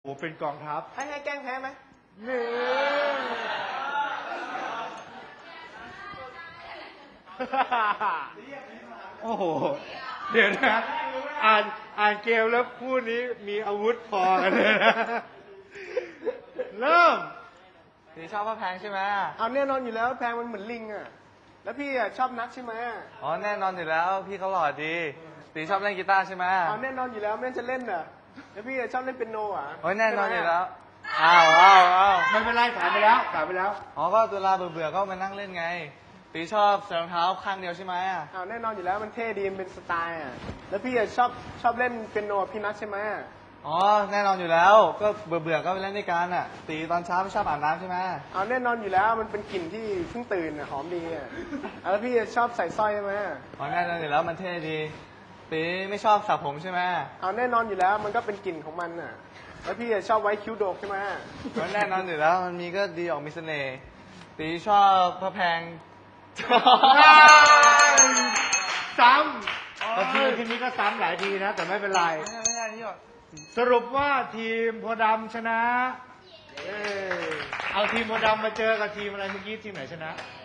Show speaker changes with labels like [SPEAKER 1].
[SPEAKER 1] ผมเป็นกองทัพ
[SPEAKER 2] ให้แกล้งแพ้ไหม
[SPEAKER 1] นี่โอ้โหเดี๋ยวนะอ่านเกมแล้วคู่นี้มีอาวุธพอกันเลยนะเริ่ม
[SPEAKER 3] ตีชอบพระแพงใช่ไหม
[SPEAKER 2] เอาแน่นอนอยู่แล้วแพงมันเหมือนลิงอ่ะแล้วพี่อ่ะชอบนักใช่ไหม
[SPEAKER 3] อ๋อแน่นอนอยู่แล้วพี่เขาหล่อดีตีชอบเล่นกีตาร์ใช่ไหม
[SPEAKER 2] เอาแน่นอนอยู่แล้วแม่จะเล่นอ่ะแล้วพี่ชอบเล่นเปียโนอ่ะ
[SPEAKER 3] โอ้ยแน่นอนอยู่แล้ว
[SPEAKER 1] อ้าวไม่เป็นไรผ่านไปแล้ว
[SPEAKER 3] อ๋อก็เวลาเบื่อก็มานั่งเล่นไงตีชอบใส่รองเท้าข้างเดียวใช่ไหม
[SPEAKER 2] เอาแน่นอนอยู่แล้วมันเท่ดีมันเป็นสไตล์อ่ะแล้วพี่ชอบเล่นเปียโนพี่นัทใช่ไหม
[SPEAKER 3] อ๋อแน่นอนอยู่แล้วก็เบื่อก็ไปเล่นด้วยกันอ่ะตีตอนเช้าไม่ชอบอาบน้ำใช่ไหม
[SPEAKER 2] เอาแน่นอนอยู่แล้วมันเป็นกลิ่นที่เพิ่งตื่นอ่ะหอมดีอ่ะแล้วพี่ชอบใส่สร้อยใช่ไหม
[SPEAKER 3] อ๋อแน่นอนอยู่แล้วมันเท่ดีตีไม่ชอบสระผมใช่ไหม
[SPEAKER 2] เอาแน่นอนอยู่แล้วมันก็เป็นกลิ่นของมันอ่ะแล้วพี่ชอบไว้คิ้วโดกใช่ไหม
[SPEAKER 3] แน่นอนอยู่แล้วมันมีก็ดีออกมีเสน่ห์ตีชอบพระแพง
[SPEAKER 1] ซ้ำทีนี้ก็ซ้ำหลายทีนะแต่ไม่เป็นไร
[SPEAKER 3] ไม่ใช่ที่
[SPEAKER 1] สรุปว่าทีมโพธิ์ดำชนะเอาทีมโพธิ์ดำมาเจอกับทีมอะไรเมื่อกี้ทีมไหนชนะ